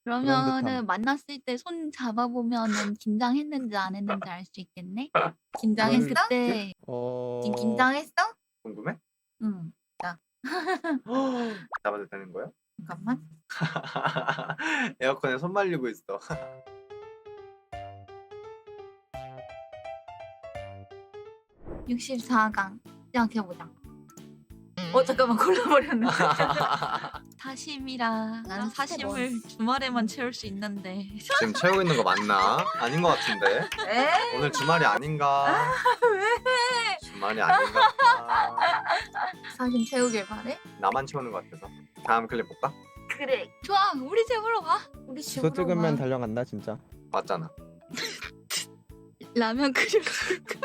그런 그러면은 듯함. 만났을 때 손 잡아보면은 긴장했는지 안 했는지 알 수 있겠네? 긴장했을 그럴 했어? 때 지금 어 긴장했어? 궁금해? 응. 나 잡아도 되는 거야? 잠깐만. 에어컨에 손 말리고 있어. 64강 시작해보자. 잠깐만 골라버렸네. 사심이라 나는 사심을 주말에만 채울 수 있는데. 지금 채우고 있는 거 맞나? 아닌 것 같은데. 에? 오늘 주말이 아닌가? 왜? 주말이 아닌가 보다. 사심 채우길 바래? 나만 채우는 것 같아서. 다음 클립 볼까? 그래. 좋아. 우리 집으로 와. 우리 집으로 주소 찍으면 와. 달려간다 진짜. 맞잖아. 라면 끓여줄까?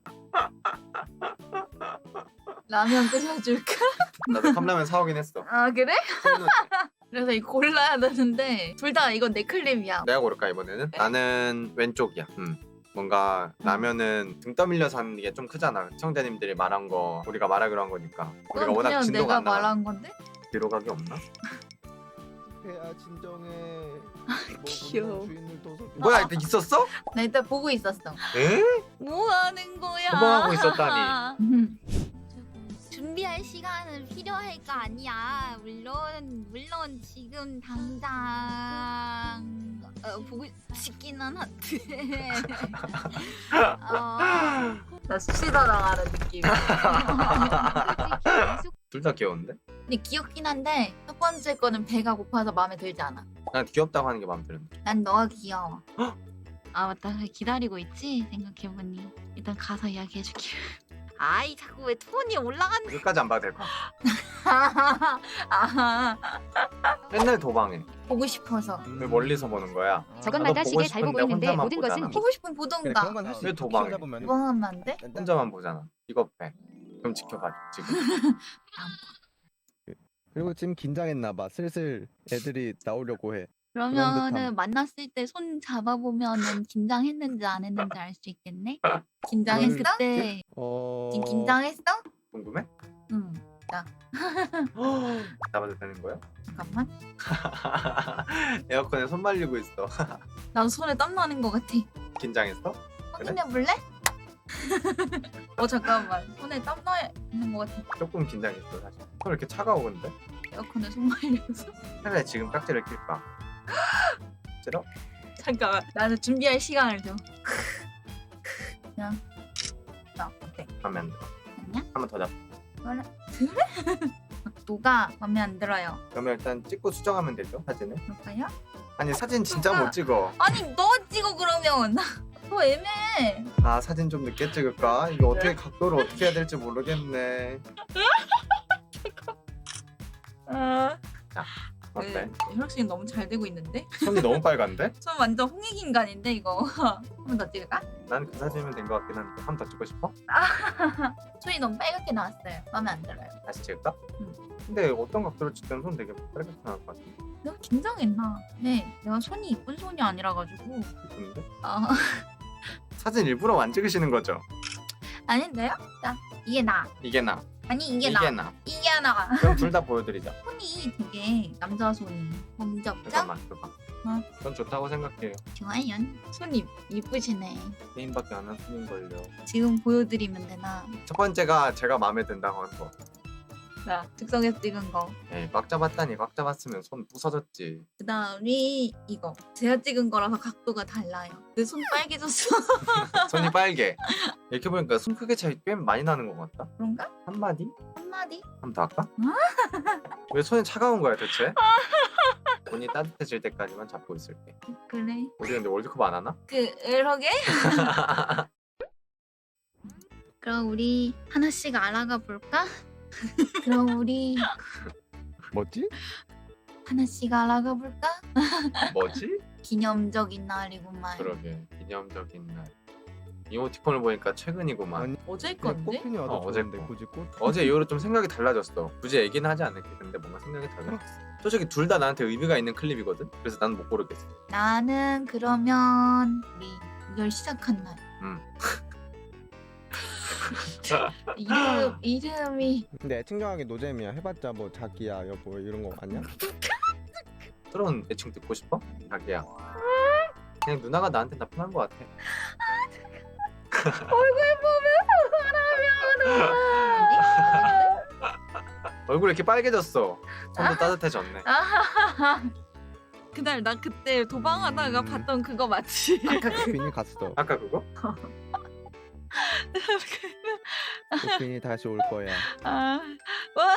라면 끓여줄까? 나도 컵라면 사오긴 했어. 아 그래? 손은 그래서 이거 골라야 되는데 둘 다 이건 내 클립이야. 내가 고를까 이번에는? 나는 왼쪽이야. 뭔가 라면은 등 떠밀려서 하는 게 좀 크잖아. 시청자님들이 말한 거 우리가 말하기로 한 거니까. 우리가 그건 워낙 그냥 진도가 내가 안 나가. 말한 건데? 뒤로 가기 없나? 야 진정해. 귀여워. 주인을 둬서 뭐야 이때 있었어? 나 이따 보고 있었어. 에? 뭐 하는 거야? 도망하고 있었다니. 준비할 시간은 필요할 거 아니야. 물론 지금 당장 보고 싶기는 한데. 나 수시다 당하는 느낌이야. 둘 다 귀여운데? 근데 귀엽긴 한데 첫 번째 거는 배가 고파서 마음에 들지 않아. 난 귀엽다고 하는 게 마음에 드는데. 난 너가 귀여워. 아 맞다. 기다리고 있지? 생각해보니 일단 가서 이야기해줄게. 아이 자꾸 왜 톤이 올라가는 끝까지 안 봐도 될 것 같아. 아, 맨날 도망해. 보고 싶어서. 왜 멀리서 보는 거야? 저것마다 나도 보고 시계 잘 보고 싶은데 있는데 혼자만 모든 보잖아. 것은 보고 싶으면 그래 보던가. 그런 건 할 수 왜 있어. 도망해? 키우다 보면. 뭐 하면 안 돼? 혼자만 보잖아. 이거 배. 그럼 지켜봐 지금. 그리고 지금 긴장했나 봐. 슬슬 애들이 나오려고 해. 그러면은 듯함. 만났을 때 손 잡아보면은 긴장했는지 안 했는지 알 수 있겠네? 긴장했을 그럴 때 어 지금 긴장했어? 궁금해? 응. 잡아도 되는 거야? 잠깐만. 에어컨에 손 말리고 있어. 난 손에 땀 나는 것 같아. 긴장했어? 확인해 볼래? 잠깐만. 손에 땀 나 있는 것 같아. 조금 긴장했어 사실. 손 이렇게 차가워 근데? 에어컨에 손 말려서. 차라리 지금 깍지를 낄까? 싫어? 잠깐만. 나는 준비할 시간을 줘. 그냥. 어때? 마음에 안 들어. 아니야? 한 번 더 잡. 그래? 누가 마음에 안 들어요? 그러면 일단 찍고 수정하면 되죠 사진을? 그럴까요? 아니 사진 진짜 못 찍어. 아니 너 찍어 그러면. 더 애매해. 아 사진 좀 늦게 찍을까? 이거 어떻게 각도를 어떻게 해야 될지 모르겠네. 어때? 혈액순이 너무 잘 되고 있는데? 손이 너무 빨간데? 손 완전 홍익인간인데 이거. 한 번 더 찍을까? 난 그 사진이면 된 것 같긴 한데 한 번 더 찍고 싶어? 손이 너무 빨갛게 나왔어요. 마음에 안 들어요. 다시 찍을까? 응. 근데 어떤 각도로 찍든 손 되게 빨갛게 나올 것 같은데. 내가 긴장했나? 네, 내가 손이 이쁜 손이 아니라 가지고. 이쁜데? 아 사진 일부러 안 찍으시는 거죠? 아닌데요? 자 이게 나. 이게 나. 아니 이게 이게 나. 나. 이게 나. 그럼 둘 다 보여드리자. 손이 되게 남자 손이 범접죠? 잠깐만 줘봐. 어? 전 좋다고 생각해요. 좋아요. 손이 이쁘시네. 게임밖에 안 한 손인걸요. 지금 보여드리면 되나? 첫 번째가 제가 마음에 든다고 한 거. 자 즉석에서 찍은 거. 에이 꽉 잡았다니. 꽉 잡았으면 손 부서졌지. 그다음이 이거. 제가 찍은 거라서 각도가 달라요. 내 손 빨개졌어. 손이 빨개. 이렇게 보니까 손 크기 차이 꽤 많이 나는 것 같다. 그런가? 한마디? 한마디? 한 번 더 할까? 왜 손이 차가운 거야 대체? 손이 따뜻해질 때까지만 잡고 있을게. 그래. 우리 근데 월드컵 안 하나? 그러게? 그럼 우리 하나씩 알아가 볼까? 그럼 우리 뭐지? 하나씩 알아가 볼까? 뭐지? 기념적인 날이구만. 그러게 기념적인 날. 이모티콘을 보니까 최근이구만. 아니 어제 그냥 건데? 꽃핀이 와도 어제 좋은데 거. 굳이 꽃? 어제 이후로 좀 생각이 달라졌어. 굳이 얘기는 하지 않을게. 근데 뭔가 생각이 달라졌어. 솔직히 둘 다 나한테 의미가 있는 클립이거든. 그래서 난 못 고르겠어. 나는 그러면 우리 이걸 시작한 날. 이름이 근데 애칭정하기 노잼이야. 해봤자 뭐 자기야 여보 이런 거 아니야? 새로운 애칭 듣고 싶어? 자기야. 그냥 누나가 나한테 나편한 것 같아. 얼굴 보면서 말하면 얼굴 이렇게 빨개졌어. 손도 따뜻해졌네. 그날 나 그때 도망하다가 봤던 그거 맞지? 아까 코핀이 갔어. 아까 그거? 코핀이 다시 올 거야. 아, 와.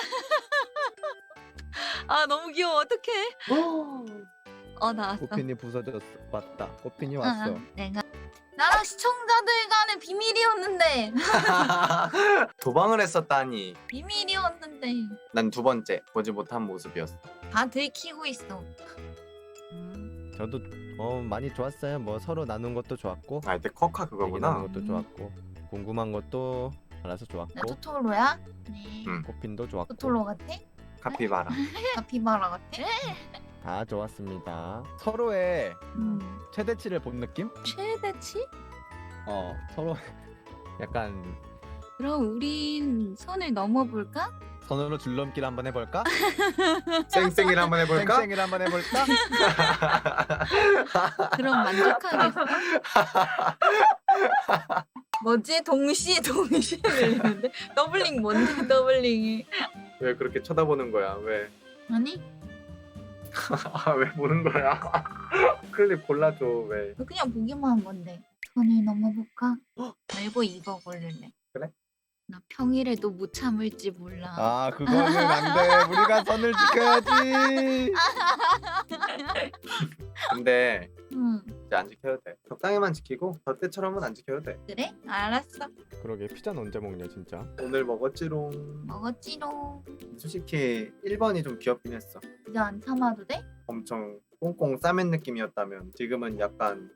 아 너무 귀여워. 어떡해? 나왔어. 코핀이 부서졌어. 맞다. 코핀이 왔어. 내가 나랑 시청자들 간의 비밀이었는데. 도망을 했었다니. 비밀이었는데 난 두 번째 보지 못한 모습이었어. 다 들키고 있어. 저도 많이 좋았어요. 뭐 서로 나눈 것도 좋았고, 아 이때 커카 얘기 그거구나. 나눈 것도 좋았고, 궁금한 것도 알아서 나 좋았고, 토토로야? 네. 음. 코핀도 좋았고, 토토로 같아? 카피바라. 카피바라 같아? 다 좋았습니다. 서로의 음. 최대치를 본 느낌? 최대치? 서로 약간 그럼 우린 선을 넘어볼까? 선으로 줄넘기를 한번 해볼까? 쌩쌩이를 한번 해볼까? 쌩쌩이를 한번 해볼까? 그럼 만족하겠어? 뭐지? 동시에 들리는데? 더블링 뭔데 더블링이? 왜 그렇게 쳐다보는 거야? 왜? 아니? 왜 보는 거야? 클립 골라줘 왜? 너 그냥 보기만 한 건데. 선을 넘어볼까? 말고 이거 고를래. 그래? 나 평일에도 못 참을지 몰라. 아, 그거는 안 돼. 우리가 선을 지켜야지. 근데 응. 이제 안 지켜도 돼. 적당히만 지키고 저 때처럼은 안 지켜도 돼. 그래? 알았어. 그러게 피자는 언제 먹냐 진짜. 오늘 먹었지롱. 먹었지롱. 솔직히 1번이 좀 귀엽긴 했어. 이제 안 참아도 돼? 엄청 꽁꽁 싸맨 느낌이었다면 지금은 약간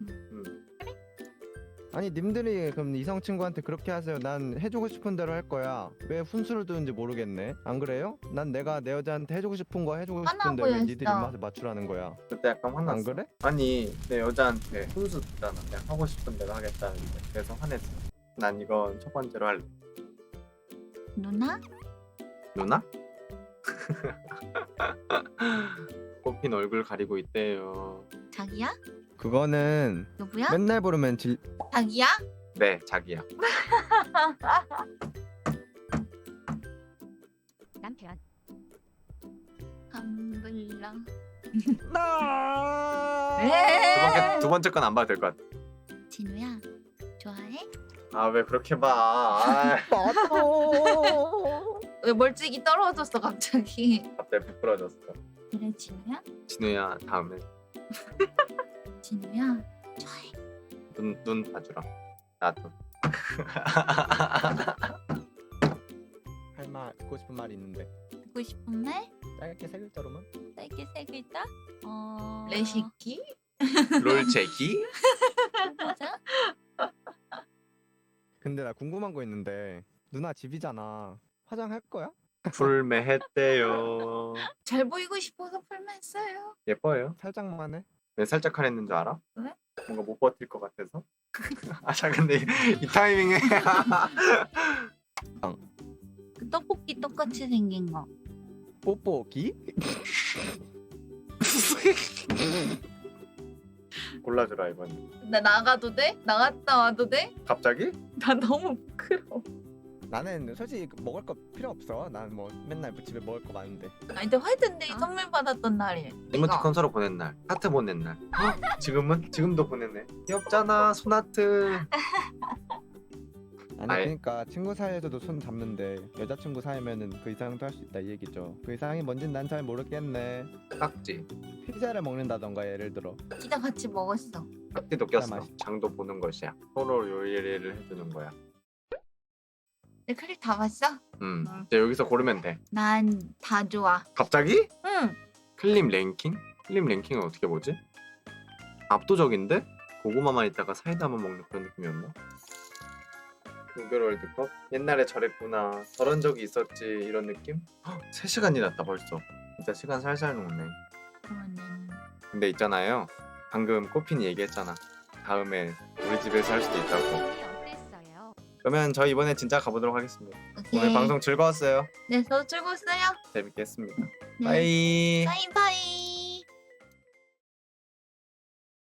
아니 님들이 그럼 이성 친구한테 그렇게 하세요. 난 해주고 싶은 대로 할 거야. 왜 훈수를 두는지 모르겠네. 안 그래요? 난 내가 내 여자한테 해주고 싶은 거 해주고 싶은데 왜 화나고 니들 있어. 입맛에 맞추라는 거야. 그때 약간 화났어. 안 그래? 아니 내 여자한테 훈수 줬잖아. 그냥 하고 싶은 대로 하겠다는데 그래서 화냈어. 난 이건 첫 번째로 할래. 누나? 누나? 꽃핀 얼굴 가리고 있대요. 자기야? 그거는 누구야? 맨날 부르면 자기야? 네 자기야. 남편. 감불러. 두 번째 건 안 봐도 될 것 같아. 진우야, 좋아해? 아 왜 그렇게 봐? 아, 왜 멀찍이 떨어졌어 갑자기? 갑자기 부끄러졌어. 그래 진우야? 진우야 다음에 진우야, 좋아해. 눈 봐주라. 나도. 할 말 듣고 싶은 말이 있는데 듣고 싶은 말? 짧게 세 글자로만. 짧게 세 글자? 레시키? 롤체기? 맞아? 근데 나 궁금한 거 있는데 누나 집이잖아. 화장할 거야? 풀매했대요. 잘 보이고 싶어서 풀맨어요. 예뻐요. 살짝만 해. 왜 살짝 화냈는 줄 알아? 왜? 뭔가 못 버틸 것 같아서. 자 근데 이 타이밍에 그 떡볶이 똑같이 생긴 거. 뽀뽀기? 골라주라 이번. 나 나가도 돼? 나갔다 와도 돼? 갑자기? 나 너무 부끄러워. 나는 솔직히 먹을 거 필요 없어. 난 뭐 맨날 집에 먹을 거 많은데. 아니 근데 화이트데이 선물 받았던 날이에요. 이모티콘 서로 보낸 날, 하트 보낸 날. 지금은? 지금도 보냈네. 귀엽잖아, 손하트. 아니 아예. 그러니까 친구 사이에서도 손 잡는데 여자친구 사이면은 그 이상도 할 수 있다 이 얘기죠. 그 이상이 뭔진 난 잘 모르겠네. 깍지. 피자를 먹는다던가 예를 들어. 피자 같이 먹었어. 깍지도 꼈어. 맛있- 장도 보는 것이야. 서로 요리를 해주는 거야. 내 클릭 다 봤어? 이제 여기서 고르면 돼. 난 다 좋아. 갑자기? 응. 클립 랭킹? 클립 랭킹은 어떻게 보지? 압도적인데? 고구마만 있다가 사이다만 먹는 그런 느낌이었나? 무별 월드컵? 옛날에 저랬구나. 저런 적이 있었지. 이런 느낌? 3시간이 났다 벌써. 진짜 시간 살살 녹네. 그러면 근데 있잖아요. 방금 꽃핀이 얘기했잖아. 다음에 우리 집에서 할 수도 있다고. 어땠어요? 그러면 저 이번에 진짜 가보도록 하겠습니다. 오케이. 오늘 방송 즐거웠어요. 네, 저도 즐거웠어요. 재밌게 했습니다. 네. 빠이. 바이바이.